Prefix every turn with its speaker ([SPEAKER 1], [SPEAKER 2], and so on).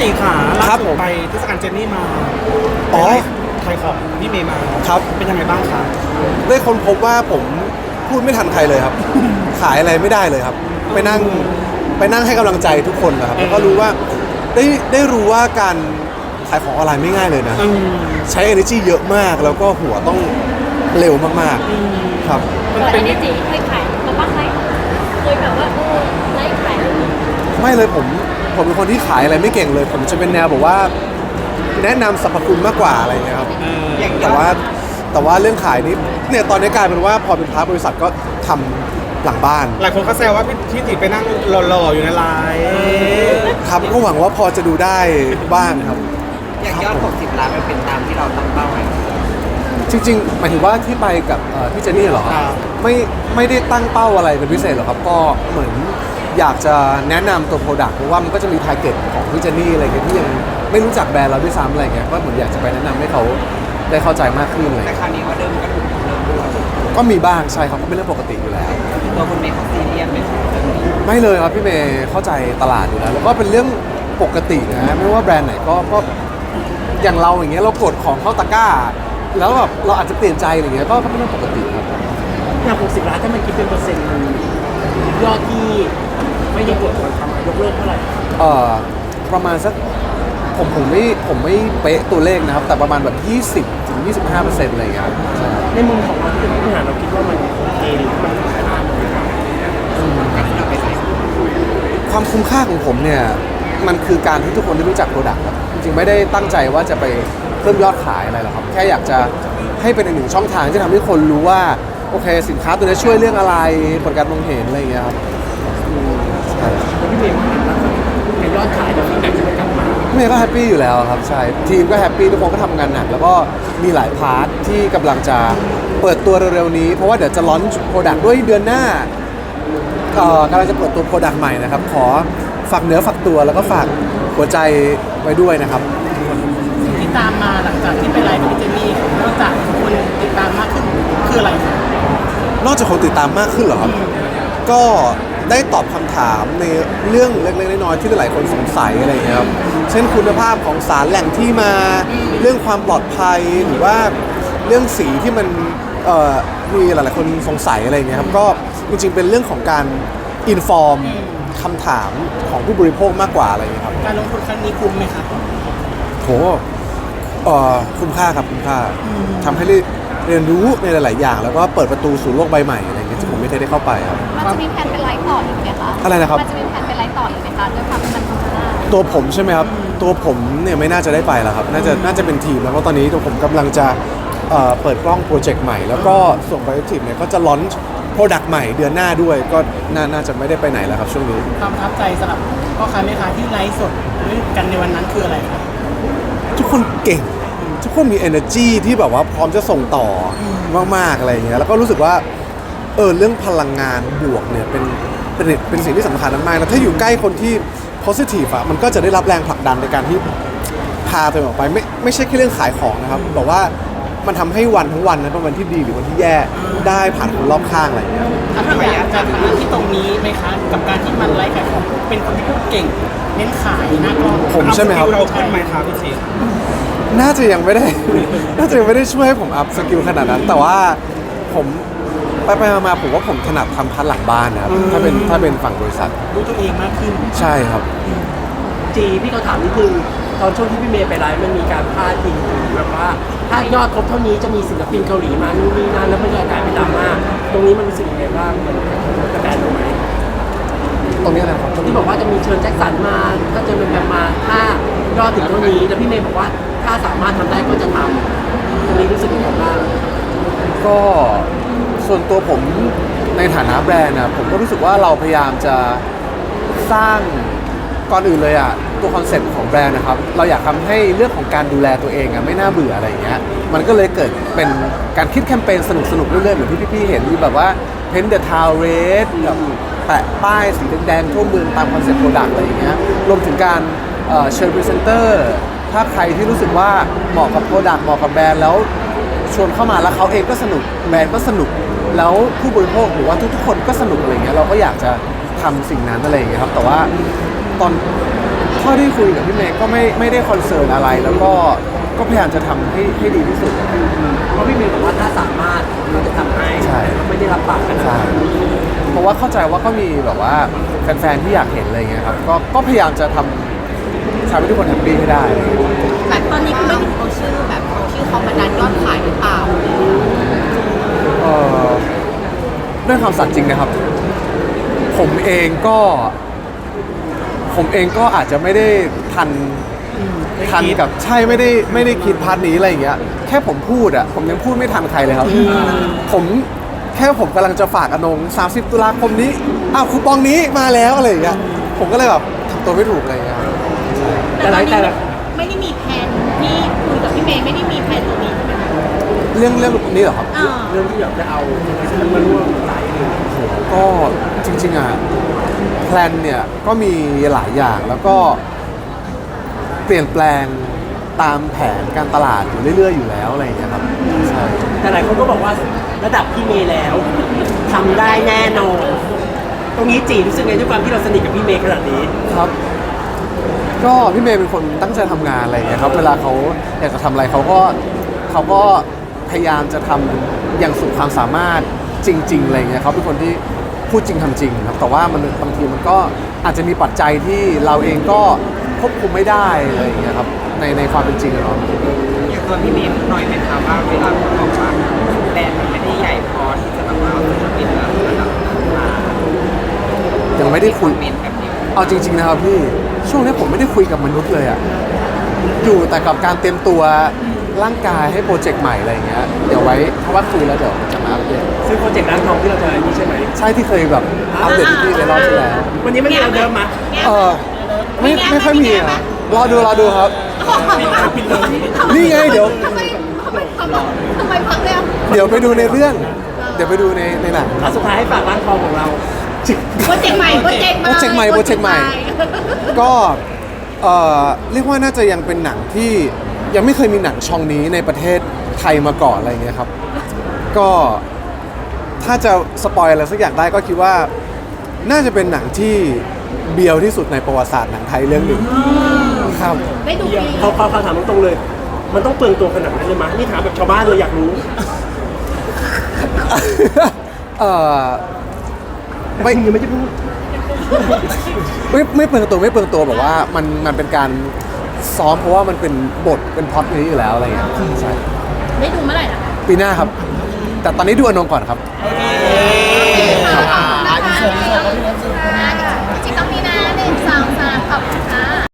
[SPEAKER 1] จีขาล่า
[SPEAKER 2] ครับ
[SPEAKER 1] สุ
[SPEAKER 2] ผ
[SPEAKER 1] ด
[SPEAKER 2] ม
[SPEAKER 1] ไปเทศกาลเจนนี่มา
[SPEAKER 2] อ๋อ
[SPEAKER 1] ใครของพี่เมย์มา
[SPEAKER 2] ครับ
[SPEAKER 1] เป็นยังไงบ้างคะ
[SPEAKER 2] ได้ค้นพบว่าผมพูดไม่ทันใครเลยครับ ขายอะไรไม่ได้เลยครับ ไปนั่งให้กำลังใจทุกคนนะครับแล้วก็รู้ว่าได้รู้ว่าการขายของออนไลน์ไม่ง่ายเลยนะ ใช้ energy เยอะมากแล้วก็หัวต้องเร็วมากๆครับ
[SPEAKER 1] มัน
[SPEAKER 3] แต่
[SPEAKER 1] เป็
[SPEAKER 3] อั
[SPEAKER 1] น
[SPEAKER 3] นนี้จีเคยขายมาบ้างไหมเคยแบบว่าไลฟ์ขายแล้ว
[SPEAKER 2] ไม่เลยผมเป็นคนที่ขายอะไรไม่เก่งเลย ผมจะเป็นแนวแบบว่าแนะนำสรรพคุณมากกว่าอะไรเงี้ยครับแต่ว่าเรื่องขายนี้เนี่ยตอนนี้กลายเป็นว่าพอเป็นพาร์ทบริษัทก็ทำหลังบ้าน
[SPEAKER 1] หลายคนเขาแซวว่าพี่จีไปนั่งหล่อๆอยู่ในไลน์
[SPEAKER 2] ครับก็หวังว่าพอจะดูได้บ้างครับ
[SPEAKER 4] อย่างยอด 60 ล้านมันเป็นตามที่เราตั้งเป้าไว้
[SPEAKER 2] จริงๆหมายถึงว่าที่ไปกับพี่เจนนี่เหรอครับไม่ได้ตั้งเป้าอะไรเป็นพิเศษหรอกครับก็เหมือนอยากจะแนะนำตัวโปรดักต์เพราะว่ามันก็จะมีทาร์เก็ตของพี่เจนนี่อะไรเงี้ยที่ยังไม่รู้จักแบรนด์เราด้วยซ้ำอะไรเงี้ยก็เหมือนอยากจะไปแนะนำให้เขาได้เข้าใจมากขึ้นอะไร
[SPEAKER 4] แต่
[SPEAKER 2] เงี้ย
[SPEAKER 4] คราวนี้ว่าเดิมก็ถูกเริ่มด้วย
[SPEAKER 2] ก็มีบ้างใช่ครับก็เป็นเรื่องปกติอยู่แล้ว
[SPEAKER 4] ตัวคุณเมย์เขาซีเรียสไหมครับเรื่องนี้
[SPEAKER 2] ไม่เลยครับพี่เมย์เข้าใจตลาดอยู่แล้วแล้วก็เป็นเรื่องปกตินะไม่ว่าแบรนด์ไหนก็อย่างเราอย่างเงี้ยเรากดของเข้าตะกร้า แล้วแบบเราอาจจะเปลี่ยนใจอะไรเงี้ยก็เป็นเรื่องปกติครับ
[SPEAKER 5] อย่าง60 ล้านถ้ามันคิดเป็นเปอร์เซ็นต์มันยอดที่ไม่ได้กดคนทำยกเลิกเท่าไหร่
[SPEAKER 2] ประมาณสักผมไม่เป๊ะตัวเลขนะครับ แต่ประมาณแบบ20 ถึง 25%อะไรอย่างเงี้ยครับใช่
[SPEAKER 5] ในมุมของเราที่เป็นผู้บริหารเราคิดว่ามันโอเคหรือมันขายได้ไหม
[SPEAKER 4] การที่เราไปไลฟ์
[SPEAKER 2] ความคุ้มค่าของผมเนี่ยมันคือการที่ทุกคนได้รู้จักโปรดักต์ครับจริงๆไม่ได้ตั้งใจว่าจะไปเพิ่มยอดขายอะไรหรอกครับแค่อยากจะให้เป็นอีกหนึ่งช่องทางที่ทำให้คนรู้ว่าโอเคสินค้าตัวนี้ช่วยเรื่องอะไรผลการมองเห็นอะไรอย่างเงี้ยครับใช่
[SPEAKER 5] แล้วพี่เมย์ว่าในยอดขายเดี๋ยวฟีดแบ็กจะไม่กลับมา
[SPEAKER 2] เมย์ก็แฮปปี้อยู่แล้วครับใช่ทีมก็แฮปปี้ทุกคนก็ทำงานหนักแล้วก็มีหลายพาร์ทที่กำลังจะเปิดตัวเร็วๆนี้เพราะว่าเดี๋ยวจะลอนช์โปรดักต์ด้วยเดือนหน้ากำลังจะเปิดตัวโปรดักต์ใหม่นะครับขอฝากเนื้อฝากตัวแล้วก็ฝากหัวใจไว้ด้วยนะครับ
[SPEAKER 5] สิ่งที่ตามมาหลังจากที่ไปไลฟ์กับพี่เจนนี่นอกจากคนติดตามมากขึ้นคืออะไรครับ
[SPEAKER 2] นอกจากคนติดตามมากขึ้นเหรอครับ ก็ได้ตอบคำถามในเรื่องเล็กๆน้อยๆที่หลายคนสงสัยอะไรอย่างเงี้ยครับ เช่นคุณภาพของสารแหล่งที่มา เรื่องความปลอดภัย หรือว่าเรื่องสีที่มันมีหลายๆคนสงสัยอะไรอย่างเงี้ยครับ ก็จริงๆเป็นเรื่องของการอินฟอร์มคำถามของผู้บริโภคมากกว่าอะไรอย่างเงี้ยครับ
[SPEAKER 5] การลงทุนครั้งนี้คุ้มไหมครับ
[SPEAKER 2] โหคุ้มค่าครับคุ้มค่าทำให้ได้เรียนรู้ในหลาย ๆ อย่าง แล้วก็เปิดประตูสู่โลกใบใหม่อะไรเงี้ยที่ผมไม่เคยได้เข้าไปครับ
[SPEAKER 3] มันจะมีแผนเป็นไลฟ์ต่ออีกไหมคะ
[SPEAKER 2] อะไรนะครับ
[SPEAKER 3] มันจะมีแผนเป็นไลฟ์ต่ออีกไหมคะด้วยความที่มันพัฒนา
[SPEAKER 2] ตัวผมใช่ไหมครับ ตัวผมเนี่ยไม่น่าจะได้ไปแล้วครับ น่าจะเป็นทีมแล้วเพราะตอนนี้ตัวผมกำลังจะเปิดกล้องโปรเจกต์ใหม่ แล้วก็ส่งไปทีมเนี่ยก็จะลอนช์โปรดักต์ใหม่เดือนหน้าด้วย ก็น่าจะไม่ได้ไปไหนแล้วครับช่วงนี้
[SPEAKER 5] ความประทับใจสำหรับพ่อค้าแม่ค้าที่ไลฟ์สดด้วยกันในวันนั้นคืออะไรครับ
[SPEAKER 2] ทุกคนเก่ง ทุกคนมี energy ที่แบบว่าพร้อมจะส่งต่อมาก ๆ อะไรอย่างเงี้ย แล้วก็รู้สึกว่าเรื่องพลังงานบวกเนี่ยเป็นสิ่งที่สำคัญมากๆแล้วถ้าอยู่ใกล้คนที่ positive อะมันก็จะได้รับแรงผลักดันในการที่พาตัวเองออกไปไม่ใช่แค่เรื่องขายของนะครับแต่ว่ามันทำให้วันทั้งวันนะเป็นวันที่ดีหรือวันที่แย่ได้ผ่านคนรอบข้างอะไรอย่างเงี้ย
[SPEAKER 5] ถ้าอยากจะทำหน้าที่ตรงนี้ไหมคะกับการที่มันไลฟ์ขายของเป็นคนที่พูดเก่งเน้นขายหน้ากล้อง
[SPEAKER 2] ผมใช่ไหมครับ
[SPEAKER 1] เราขึ้นไหมครับพี่จี
[SPEAKER 2] น่าจะยังไม่ได้ น่าจะยังไม่ได้ช่วยให้ผมอัพสกิลขนาดนั้น แต่ว่าผมไปมาผมว่าผมถนัดทำพันหลังบ้านนะครับถ้าเป็นฝั่งบริษัท
[SPEAKER 5] รู้ตัวเองมากขึ้น
[SPEAKER 2] ใช่ครับ
[SPEAKER 5] จีพี่เขาถามนิดนึงตอนช่วงที่พี่เมย์ไปไลฟ์มันมีการพาดพิงถึงแบบว่า ถ้ายอดครบเท่านี้จะมีศิลปินเกาหลีมานู่นนี่นั่นแล้วมันจะกลายเป็นดราม่าตรงนี้มันรู้สึกยังไงบ้างมันกระแตตรงไหม
[SPEAKER 2] ตรงนี้นะครับ
[SPEAKER 5] ที่บอกว่าจะมีเชิญแจ็คสันมาถ้าเจอเป็นแบบมาถ้ายอดถึงเท่านี้แล้วพี่เมย์บอกว่าถ้าสามารถทำได้ก็จะทำตรงนี้รู้สึกยังไงบ้าง
[SPEAKER 2] ก็ส่วนตัวผมในฐานะแบรนด์นะผมก็รู้สึกว่าเราพยายามจะสร้างก่อนอื่นเลยอ่ะตัวคอนเซ็ปต์ของแบรนด์นะครับเราอยากทำให้เรื่องของการดูแลตัวเองอ่ะไม่น่าเบื่ออะไรอย่างเงี้ยมันก็เลยเกิดเป็นการคิดแคมเปญสนุกๆเรื่อยๆเหมือนที่พี่ๆเห็นมีแบบว่า Paint the Town Red กับแปะป้ายสีแดงๆทั่วเมืองตามคอนเซ็ปต์โปรดักต์อะไรอย่างเงี้ยรวมถึงการเชิญพรีเซนเตอร์ถ้าใครที่รู้สึกว่าเหมาะกับโปรดักต์เหมาะกับแบรนด์แล้วชวนเข้ามาแล้วเขาเองก็สนุกแบรนด์ก็สนุกแล้วผู้บริโภคหรือว่าทุกๆคนก็สนุกอะไรเงี้ยเราก็อยากจะทำสิ่งนั้นอะไรอย่างเงี้ยครับแต่ว่าตอนเท่าที่คุยกับพี่เมย์ก็ไม่ได้คอนเซิร์นอะไร แล้วก็พยายามจะทำให้ดีที่สุด
[SPEAKER 5] เพราะพี่เมย์บอกว่าถ้าสามารถก็จะทำให้
[SPEAKER 2] ใช่
[SPEAKER 5] ไม่ได้รับปากกันนะ
[SPEAKER 2] ใช่เพราะว่าเข้าใจว่าก็มีแบบว่าแฟนๆที่อยากเห็นอะไรเงี้ยครับก็พยายามจะทำให้ทุกคนแฮปปี้ให้ได้อะไรเงี้ย
[SPEAKER 3] แบบตอนนี้คือไม่ถึงเอาชื่อแบบเอาชื่อเขามาดันยอดขายหรือเปล่า
[SPEAKER 2] เอ่อด้วยความสัตย์จริงนะครับ ผมเองก็อาจจะไม่ได้ทันกับใช่ไม่ได้คิดพาร์ทนี้อะไรอย่างเงี้ยแค่ผมพูดอ่ะผมยังพูดไม่ทันใครเลยครับผมกำลังจะฝากอนง30 ตุลาคมนี้อ้าวคูปองนี้มาแล้วอะไรอย่างเงี้ยผมก็เลยแบบทำตัวไม่ถูกอะไรอย่างเงี้ยครับ
[SPEAKER 3] แต่ตอนนี้ไม่ได้มีแผนที่คุยกับพี่เมย์ไม่ได้มีแผนตรงนี้ใช่ไหมคะ
[SPEAKER 2] เรื่องนี้เหรอครับ
[SPEAKER 3] อ่า
[SPEAKER 5] เรื่องที่อยากจะเอามันมาร่วมสายเลย
[SPEAKER 2] ก็จริงๆอ่ะแพลนเนี่ยก็มีหลายอย่างแล้วก็เปลี่ยนแปลงตามแผนการตลาดอยู่เรื่อยๆอยู่แล้วอะไรอย่างเงี้ยครับใช่
[SPEAKER 5] แต่หลายคนก็บอกว่าระดับพี่เมย์แล้วทำได้แน่นอนตรงนี้จีรู้สึกไงด้วยความที่เราสนิทกับพี่เมย์ขนาดนี้
[SPEAKER 2] ครับ ก็พี่เมย์เป็นคนตั้งใจทำงานอะไรอย่างเงี้ยครับเวลาเขาอยากจะทำอะไรเขาก็พยายามจะทำอย่างสุดความสามารถจริงๆอะไรอย่างเงี้ยเขาเป็นคนที่พูดจริงทำจริงครับแต่ว่ามันบางทีมันก็อาจจะมีปัจจัยที่เราเองก็ควบคุมไม่ได้อะไรอย่างเงี้ยครับในความเป็นจริงอะเนาะ
[SPEAKER 4] อย่างตัวพี่เมย์หน่อยไหมคะว่าเวลาคนบอกว่าแบรนด์มันไม่ได้ใหญ่พอที่จะแบบว่าเอาศิลปินระดับมา
[SPEAKER 2] ยังไม่ได้คุย
[SPEAKER 4] เมนแบบนี้
[SPEAKER 2] เอาจริงๆนะครับพี่ช่วงนี้ผมไม่ได้คุยกับมนุษย์เลยอะอยู่แต่กับการเตรียมตัวร่างกายให้โปรเจกต์ใหม่อะไรอย่างเงี้ยเดี๋ยวไว้เพราะว่าคุยแล้วเดี๋ยวจะมาอัปเดต
[SPEAKER 5] ซึ่งโปรเจกต์ร้านทองที่เราจะนี่ใช่ไหม
[SPEAKER 2] ใช่ที่เคยแบบอัปเดตพี่ๆในรอบที่แล้ว
[SPEAKER 5] วันนี้มันมีเราเดิมมา
[SPEAKER 2] เออไม่ค่อยมีอะรอดูครับ นี่ไงเดี๋ยว
[SPEAKER 3] ทำไมพักแล้ว
[SPEAKER 2] เดี๋ยวไปดูในเรื่อง เดี๋ยวไปดูในหนัง
[SPEAKER 5] เอาสุดท้ายให้ฝากร้านทองของเรา
[SPEAKER 3] โปรเจกต์ใหม่
[SPEAKER 2] ก็เรียกว่าน่าจะยังเป็นหนังที่ยังไม่เคยมีหนังช่องนี้ในประเทศไทยมาก่อนอะไรเงี้ยครับ ก็ถ้าจะสปอยอะไรสักอย่างได้ก็คิดว่าน่าจะเป็นหนังที่เบียวที่สุดในประวัติศาสตร์หนังไทยเรื่องหนึ่งครับ
[SPEAKER 3] ได้ดูปี
[SPEAKER 5] เขาถามตรงๆเลย มันต้องเปลืองตัวขนาดนั้นเลยมั้ยนี่ถามแบบชาวบ้านเลยอยากรู้
[SPEAKER 2] ไม่
[SPEAKER 5] ยังไม่ได้พูด
[SPEAKER 2] ไม่เปลืองตัวแบบว่ามันเป็นการซ้อมเพราะว่ามันเป็นบทเป็นพล็อตนี้อยู่แล้วอะไรเงี้ยใช่
[SPEAKER 3] ได้ดูเมื่อไหร่นะ
[SPEAKER 2] ปีหน้าครับ แต่ตอนนี้ดูอนงก่อนครับ
[SPEAKER 3] ค่ะ